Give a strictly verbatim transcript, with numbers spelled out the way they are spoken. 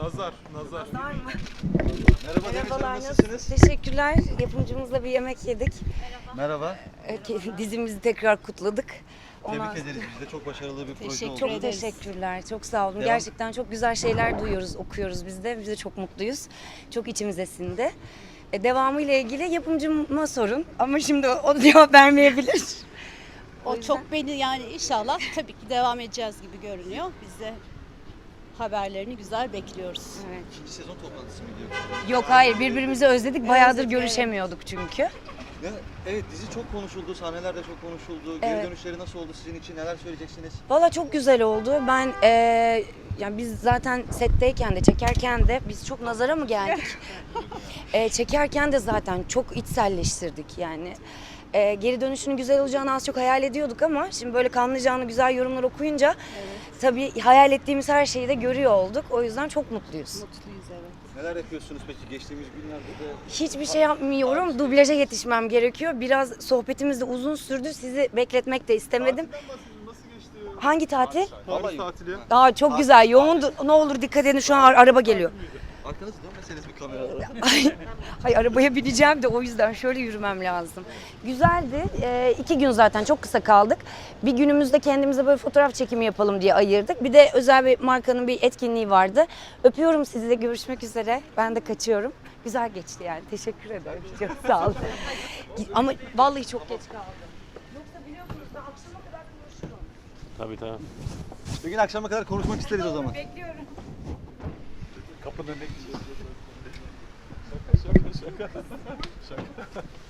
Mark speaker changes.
Speaker 1: Nazar, nazar.
Speaker 2: Nazar mı?
Speaker 3: Merhaba Deniz
Speaker 2: Merhabalar,
Speaker 3: Hanım, nasılsınız?
Speaker 2: Teşekkürler. Yapımcımızla bir yemek yedik.
Speaker 3: Merhaba.
Speaker 2: Ee, Dizimizi tekrar kutladık.
Speaker 3: Tebrik
Speaker 2: Ondan-
Speaker 3: ederiz. Biz de çok başarılı bir proje
Speaker 4: Teşekkür
Speaker 3: oldu.
Speaker 2: Çok
Speaker 4: ederiz.
Speaker 2: teşekkürler. Çok sağ olun.
Speaker 3: Devam.
Speaker 2: Gerçekten çok güzel şeyler duyuyoruz, okuyoruz biz de. Biz de çok mutluyuz. Çok içimize sindi. E, devamı ile ilgili yapımcıma sorun. Ama şimdi o, o cevap vermeyebilir.
Speaker 4: O
Speaker 2: yüzden-
Speaker 4: çok beni yani inşallah tabii ki devam edeceğiz gibi görünüyor. Biz de haberlerini güzel bekliyoruz.
Speaker 2: Evet.
Speaker 3: İkinci sezon toplantısı mı gidiyor?
Speaker 2: Yok hayır, birbirimizi özledik. Bayağıdır
Speaker 4: Özledik,
Speaker 2: görüşemiyorduk çünkü.
Speaker 3: Ya, evet dizi çok konuşuldu, sahneler de çok konuşuldu. Geri
Speaker 2: Evet.
Speaker 3: dönüşleri nasıl oldu sizin için? Neler söyleyeceksiniz?
Speaker 2: Valla çok güzel oldu. Ben eee, yani biz zaten setteyken de çekerken de biz çok nazara mı geldik? Eee, çekerken de zaten çok içselleştirdik yani. Eee, geri dönüşünün güzel olacağını az çok hayal ediyorduk ama şimdi böyle kanlayacağını güzel yorumlar okuyunca tabii hayal ettiğimiz her şeyi de görüyor olduk. O yüzden çok mutluyuz.
Speaker 4: Mutluyuz evet.
Speaker 3: Neler yapıyorsunuz peki? Geçtiğimiz günlerde de
Speaker 2: Hiçbir şey yapmıyorum. Dublaja yetişmem gerekiyor. Biraz sohbetimiz de uzun sürdü. Sizi bekletmek de istemedim.
Speaker 1: Nasıl geçti?
Speaker 2: Hangi tatil?
Speaker 3: Vallahi-
Speaker 1: Paris tatili.
Speaker 2: Aa, çok güzel. Yoğundu. Ne olur dikkat edin, şu an araba geliyor.
Speaker 3: arkanızı dönmeseniz bir kameralara.
Speaker 2: Ay, ay arabaya bineceğim de o yüzden şöyle yürümem lazım. Güzeldi. Ee, iki gün zaten çok kısa kaldık. Bir günümüzde kendimize böyle fotoğraf çekimi yapalım diye ayırdık. Bir de özel bir markanın bir etkinliği vardı. Öpüyorum sizi de, görüşmek üzere. Ben de kaçıyorum. Güzel geçti yani. Teşekkür ederim. Çok sağ olun. Ama vallahi çok geç kaldım. Yoksa biliyorsunuz ben akşama kadar konuşurum.
Speaker 1: Tabii tabii.
Speaker 3: Bugün akşama kadar konuşmak isteriz o zaman.
Speaker 2: Bekliyorum.
Speaker 1: Kapının önüne gideceğiz. Şaka şaka şaka. Şaka.